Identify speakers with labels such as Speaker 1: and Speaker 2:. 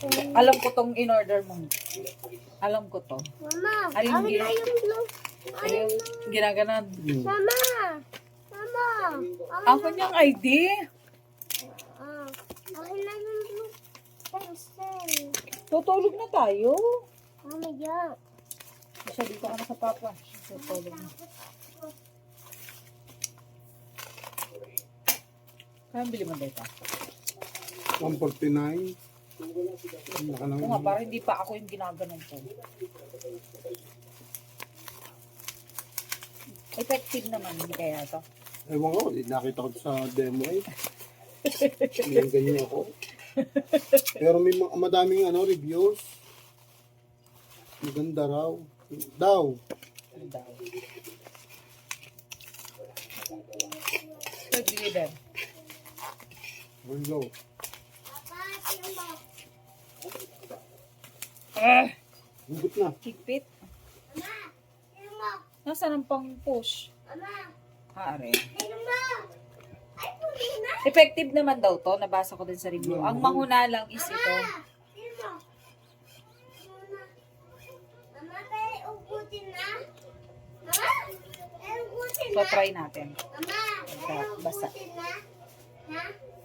Speaker 1: Alam ko tong in-order mo. Alam ko to.
Speaker 2: Mama,
Speaker 1: Ano yung
Speaker 2: akin na yung blue.
Speaker 1: Ano yung ginaganon?
Speaker 2: Mama, mama.
Speaker 1: Ako niyang ID.
Speaker 2: Akin na yung blue pencil.
Speaker 1: Tutulog na tayo.
Speaker 2: Mamaya.
Speaker 1: Siya dito ka na sa papa. Tutulog na. Kaya bili mo dito.
Speaker 3: 149.
Speaker 1: Oo nga, parang hindi pa ako yung ginaganon ko. Effective naman, hindi kaya to.
Speaker 3: Ewan ko, nakita ko sa demo eh. Ganyan ako. Pero may madaming reviews. Maganda raw. Daw.
Speaker 1: Pag-deliver.
Speaker 3: Here we go. Hugot na.
Speaker 1: Higpit.
Speaker 2: Mama, sino mo?
Speaker 1: Nasaan ang pang-push?
Speaker 2: Mama,
Speaker 1: Are.
Speaker 2: sino mo? Ay, puli na.
Speaker 1: Effective naman daw to. Nabasa ko din sa review. Ang mahuna lang is ito.
Speaker 2: Sino mo? Mama, mama, tayo ugutin na. Mama, tayo ugutin
Speaker 1: So,
Speaker 2: na.
Speaker 1: try natin.
Speaker 2: Mama, tayo
Speaker 1: Basa.
Speaker 2: ugutin na. Ha?